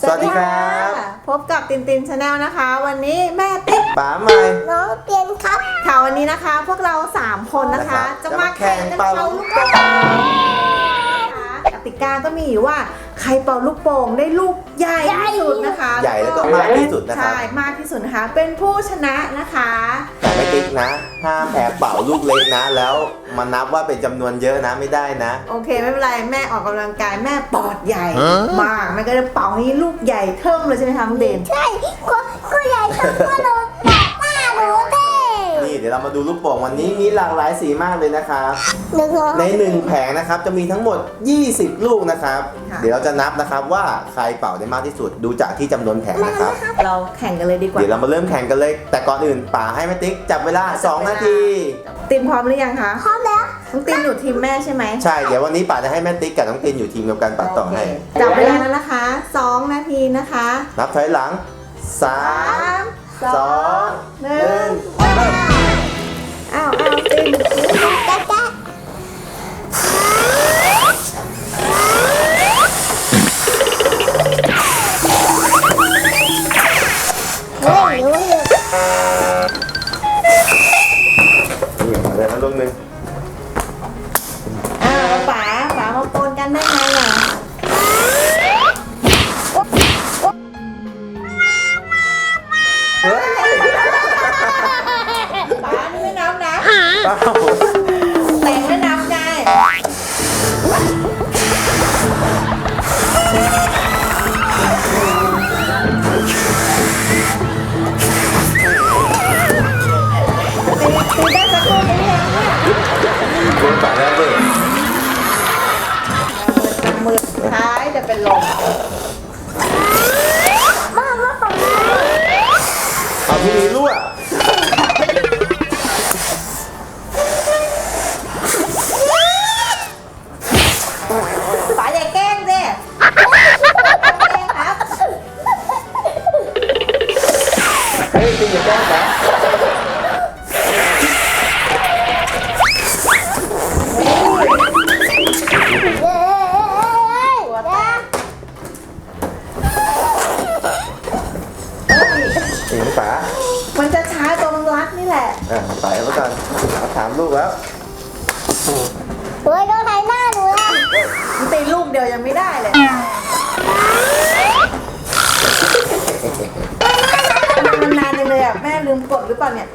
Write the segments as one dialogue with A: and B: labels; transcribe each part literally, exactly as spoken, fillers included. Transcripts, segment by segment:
A: สวัสดีครับ
B: พบกับตินตินชาแนลนะคะวันนี้แม่ติ๊ก
A: ป๋าใหม่
C: น้องเตียนครับ
B: ค่ะวันนี้นะคะพวกเราสามคนนะคะ จะมาแข่งกันเป่าลูกโป่งกติกาก็มีอยู่ว่าใครเป่าลูกโป่งได้ลูกใหญ่ที่สุดนะคะ
A: ใหญ่แล้วก็มากที่สุดนะครับ
B: ใช่มากที่สุดนะคะเป็นผู้ชนะนะคะ
A: แต่ไม่ติ๊กนะห้ามแอบเป่าลูกเล็กนะแล้วมานับว่าเป็นจำนวนเยอะนะไม่ได้นะ
B: โอเคไม่เป็นไรแม่ออกกำลังกายแม่ปอดใหญ่มากแม่ก็จะเป่าให้ลูกใหญ่เทิ่มเลยใช่ไหมคะน้องเด่น
C: ใช่ก็ก็ใหญ่ต้องก็โดนหน้าหน้าหนูเด้
A: นี่เดี๋ยวเรามาดูลูกโป่งวันนี้มีหลากหลายสีมากเลยนะครับ
C: หนึ่งร้อย
A: ในหนึ่งแผงนะครับจะมีทั้งหมดยี่สิบลูกนะครับเดี๋ยวเราจะนับนะครับว่าใครเป่าได้มากที่สุดดูจากที่จำนวนแผงนะครับ
B: เราแข่งกันเลยดีกว่า
A: เดี๋ยวเรามาเริ่มแข่งกันเลยแต่ก่อนอื่นป๋าให้แม่ติ๊กจับเวลาสองนาที
B: ตินพร้อมหรือยังคะ
C: พร้อมแล้ว
B: น้องตินอยู่ทีมแม่ใช่ไหม
A: ใช่เดี๋ยววันนี้ป๋าจะให้แม่ติ๊กกับน้องตินอยู่ทีมเดียวกันป๋าต่อให้
B: จับเวลาแล้วนะคะสองนาทีนะคะ
A: นับถอยหลังสา
B: สาม ม
A: สอง
B: ห
A: ห
B: นึ่
A: นึ่
B: ง
A: งเริ่ม
B: อ้าวอ้าวติน
C: แจ๊ะแจ๊ะเฮ้ยเฮ้ย
A: นี่มาเลยนะลูกหนึ่ง
B: อ้าวป๋าป๋ามาโปนกันได้ไงอ่ะป๋านี่ไม่นับนะ
A: เอ้า
B: แต่งไม่นับไงตีได้สักคนหรือยังเนี่ย
A: คุณป๋าแล้วด้วย
B: มือท้ายจะเป็นลม
C: มามาฝั่งนี้
A: เอาที่นี้รั่ว
B: ป๋าอย่าแกล้งสิแกล้งครับ
A: เฮ้ยติงอย่าแกล้งป๋า
C: เย้เย้
A: ติงป๋า
B: มันจะช้าตรงรัดนี่แหละ
A: อ่ะป๋าเอาไว้ก่อนเอาถามลูกแล้ว
C: เฮ้ยต้องถ่ายหน้าหนูนะ
B: มันตีลูกเดียวยังไม่ได้เลยมันนานจังเลยอ่ะแม่ลืมกดหรือเปล่าเนี่ย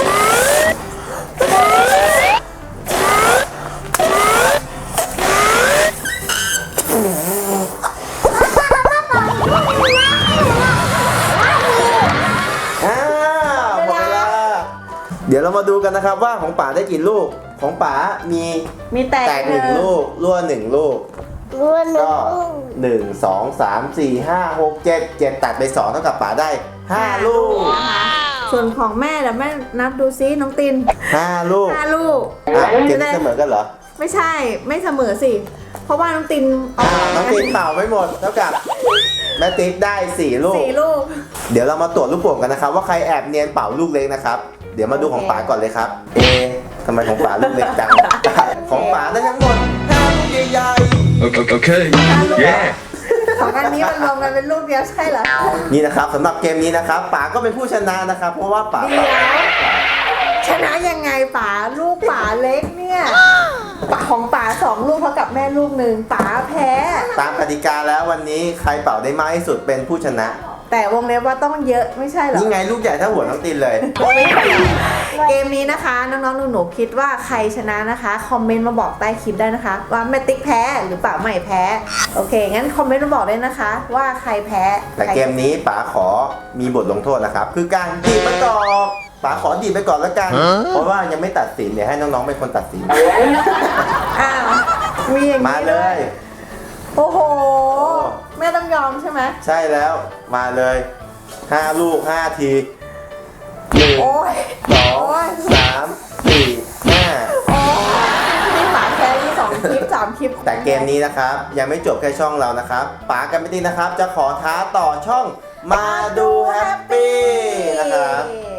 A: อ้าวหมดเวลาเดี๋ยวเรามาดูกันนะครับว่าของป๋าได้กี่ลูกของป๋ามี
B: มีแตก
A: แตกหนึ่งลูกรั่วหนึ่งลูก
C: รวนหนู
A: ก็หนึ่งสองสามสี่ห้าหกเจ็ดเจ็ดตัดไปสองเท่ากับป๋าได้ห้าลูก
B: นะคะส่วนของแม่เดี๋ยวแม่นับดูซิน้องติน
A: ห้าลูก
B: ห้าลูก
A: อ่ะเกมนี้เสมอกันเหรอ
B: ไม่ใช่ไม่เสมอสิ เพราะว่าน้องตินเอา
A: อ่าน้องตินเป่าไม่หมดเท่ากับแม่ติ๊กได้สี่ลูก
B: สี่ลูก
A: เดี๋ยวเรามาตรวจลูกโป่งกันนะครับว่าใครแอบเนียนเป่าลูกเล็กนะครับเดี๋ยวมาดูของป๋าก่อนเลยครับเอทำไมของป๋าลูกเล็กจัง ของป๋าได้ทั้งหมดห้าลูกใหญ่
D: Okay. okay. Yeah.
B: ของอันนี้มันรวมกันเป็นลูกเดียวใช่เหรอ
A: ๆนี่นะครับสำหรับเกมนี้นะครับป๋าก็เป็นผู้ชนะนะครับเพราะว่าป๋า
B: เดี๋ยวชนะยังไงป๋าลูกป๋าเล็กเนี่ยป๋าของป๋าสองลูกเท่ากับแม่ลูกหนึ่งป๋าแพ้
A: ตามกติกาแล้ววันนี้ใครเป่าได้มากที่สุดเป็นผู้ชนะ
B: แต่วงเล็บว่าต้องเยอะไม่ใช่เหรอ
A: นี่ไงลูกใหญ่เท่าหัวน้องตินเลย
B: ไม่ใช่เกมนี้นะคะน้องๆหนูๆคิดว่าใครชนะนะคะคอมเมนต์มาบอกใต้คลิปได้นะคะ ว่าแม่ติ๊กแพ้หรือเปล่าไม่แพ้โอเคงั้นคอมเมนต์มาบอกได้นะคะ ว่าใครแพ้
A: แต่เกมนี้ป๋าขอมีบทลงโทษนะครับ คือการดีบมะกอกป๋าขอดีบไปก่อนแล้วกัน เพราะว่ายังไม่ตัดสินเดี๋ยวให้น้องๆเป็นคนตัดสิน
B: อ้าวมีอย่าง
A: มา
B: นี้
A: เล
B: ด้วย
A: ย
B: โอ้โหแม่ต้องยอมใช่ไหม
A: ใช่แล้วมาเลยห้าลูกห้าทีหนึ่ง
B: โอ้ย
A: สองสามสี่ห้า
B: โอ้ยนี่ป๋าแพ้ที่สองคลิปสามคลิป
A: แต่เกมนี้นะครับยังไม่จบแค่ช่องเรานะครับป๋ากับไม่ตีนะครับ จะขอท้าต่อช่องมาดูแฮปปี้นะครับ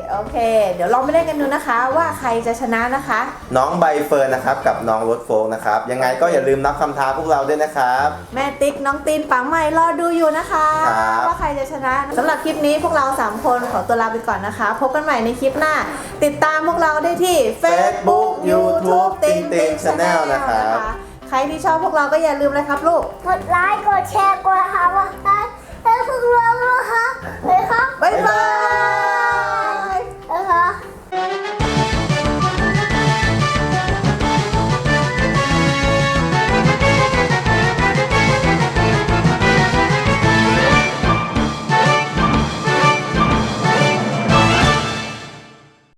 B: โอเค เดี๋ยวลองไปเล่นกันดูนะคะ ว่าใครจะชนะนะคะ
A: น้องใบเฟิร์นนะครับกับน้องรถโฟกนะครับยังไงก็อย่าลืมนับคำท้าพวกเราด้วยนะครับ
B: แม่ติ๊กน้องตีนปังใหม่รอดูอยู่นะคะ
A: ครับ
B: ว่าใครจะชนะสำหรับคลิปนี้พวกเราสามคนขอตัวลาไปก่อนนะคะ พบกันใหม่ในคลิปหน้า ติดตามพวกเราได้ที่
A: Facebook YouTube ติงติง Channel นะครับ
B: ใครที่ชอบพวกเราก็อย่าลืมเลยครับลูก
C: กดไลค์กดแชร์กดหาว่าให้พวกเรานะคะเลยครับ